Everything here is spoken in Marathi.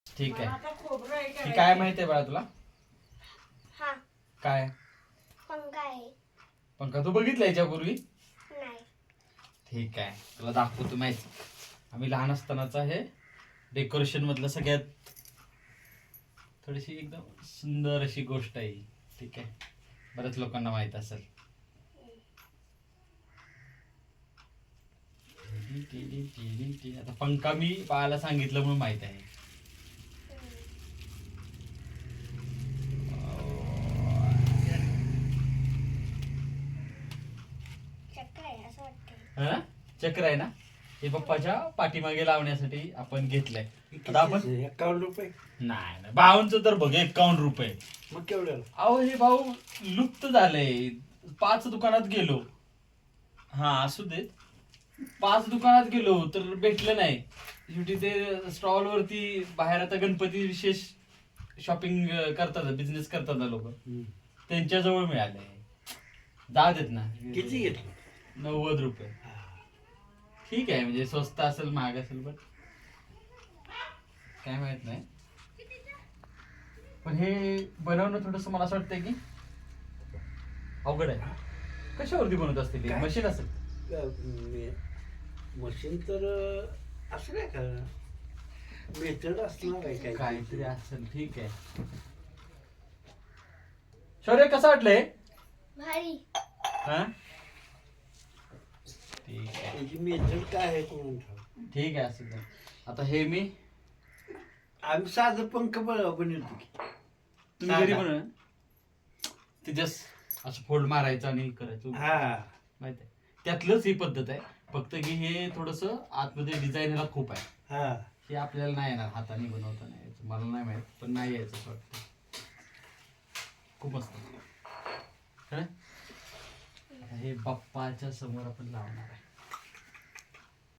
ठीक आहे. ही काय माहिती आहे बाळा तुला? हा काय पंखा आहे. पंखा तू बघितला याच्यापूर्वी? नाही. ठीक आहे, तुला दाखवतो माहिती. आम्ही लहान असतानाचा हे डेकोरेशन मधलं सगळ्यात थोडीशी एकदम सुंदर अशी गोष्ट आहे. ठीक आहे, बऱ्याच लोकांना माहित असेल. आता पंखा मी बाळाला सांगितलं म्हणून माहित आहे. चक्र आहे असं वाटतं. हा? चक्र आहे ना, हे पप्पाच्या पाठीमागे लावण्यासाठी आपण घेतलंय. आता आपण 51 रुपये. नाही भाऊंचं तर बघ 51 रुपये. मग केवढ्याला? अहो हे भाऊ लुप्त झालंय. 5 दुकानात गेलो, हा असू देत, 5 दुकानात गेलो तर भेटलं नाही. शेवटी ते स्टॉल वरती बाहेर आता गणपती विशेष शॉपिंग करतात, बिझनेस करतात ना लोक, त्यांच्याजवळ मिळाले. जाऊ देत ना. किती घेतलं? 90 रुपये. ठीक आहे, म्हणजे स्वस्त असेल महाग असेल पण काय माहित नाही. पण हे बनवणं थोडस मला असं वाटतंय की अवघड आहे. कशावरती बनवत असते ते? काय? मशीन असेल. मशीन तर असं काय का मेथड असणार आहे काय काहीतरी असेल. ठीक आहे. शौर्य कसं वाटलंय? भारी. हा ठीक आहे. त्याची मेथड काय आहे कोण ठाऊक. ठीक आहे असं द्या. आता हे मी आम्ही साधं पंख बनवतो की तुम्ही घरी साधा. बनव ते जस्ट असं फोल्ड मारायचं आणि करायचं हा माहित आहे. त्यातलंच ही पद्धत आहे, फक्त की हे थोडस आतमध्ये डिझाईन ह्याला खूप आहे. हा हे आपल्याला नाही येणार, हाताने बनवता नाही यायचं. मला नाही माहित, पण नाही यायचं असं वाटतं. खूप मस्त. खरं? आता हे बाप्पाच्या समोर आपण लावणार आहे.